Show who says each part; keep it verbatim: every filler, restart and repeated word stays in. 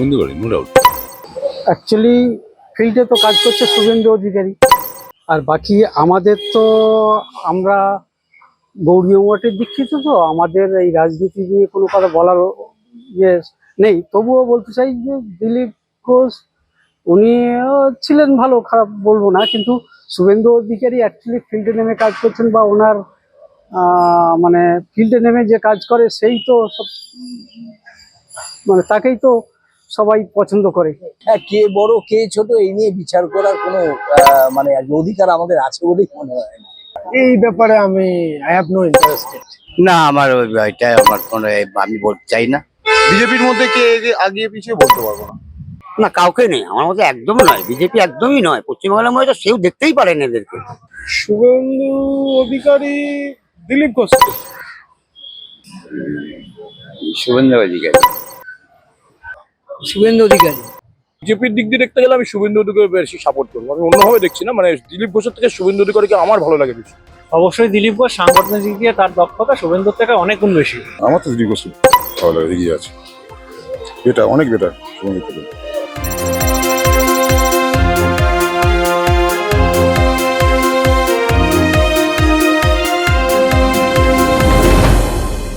Speaker 1: Suvendu Adhikari, no doubt.
Speaker 2: Actually ফিল্ডে তো কাজ করছে শুভেন্দু অধিকারী, আর বাকি আমাদের তো আমরা গৌরীয় মঠের দীক্ষিত, তো আমাদের এই রাজনীতি নিয়ে কোনো কথা বলার ইয়ে নেই। তবুও বলতে চাই যে দিলীপ ঘোষ উনিও ছিলেন ভালো, খারাপ বলবো না, কিন্তু শুভেন্দু অধিকারী অ্যাকচুয়ালি ফিল্ডে নেমে কাজ করছেন, বা ওনার আহ, মানে ফিল্ডে নেমে যে কাজ করে সেই তো সব, মানে তাকেই তো সবাই পছন্দ করে।
Speaker 3: হ্যাঁ, কে বড় কে ছোট এই নিয়ে বিচার করার কোনো আহ, মানে আর কি অধিকার আমাদের আছে বলেই মনে হয় না।
Speaker 2: এই ব্যাপারে আমি আই হ্যাভ নো ইন্টারেস্টেড।
Speaker 4: না, আমার ওই- ওইটা আমার কোনো আমি বলতে চাই না।
Speaker 5: বিজেপির মধ্যে কে এগে- আগিয়ে পিছিয়ে বলতে পারবো না।
Speaker 4: না, কাউকে নেই আমার মধ্যে, একদম নয়, বিজেপি একদমই নয়। পশ্চিমবাংলার মধ্যে তো সেও দেখতেই পারেন এদেরকে।
Speaker 5: শুভেন্দু অধিকারী, দিলীপ ঘোষ।
Speaker 4: শুভেন্দু অধিকারী।
Speaker 2: শুভেন্দু অধিকারী।
Speaker 5: বিজেপির দিক দিয়ে দেখতে গেলে আমি শুভেন্দু অধিকারী বেশি সাপোর্ট করবো, আমি অন্যভাবে দেখছি না। মানে দিলীপ ঘোষের থেকে শুভেন্দু অধিকারীকে আমার ভালো লাগে বেশি।
Speaker 6: অবশ্যই দিলীপ ঘোষ সাংগঠনিক দিক দিয়ে তার দক্ষতা শুভেন্দুর থেকে অনেক গুণ বেশি।
Speaker 1: আমার তো দিলীপ ঘোষ ভালো লাগে, এগিয়ে আছে, বেটার, অনেক বেটার শুভেন্দু থেকে।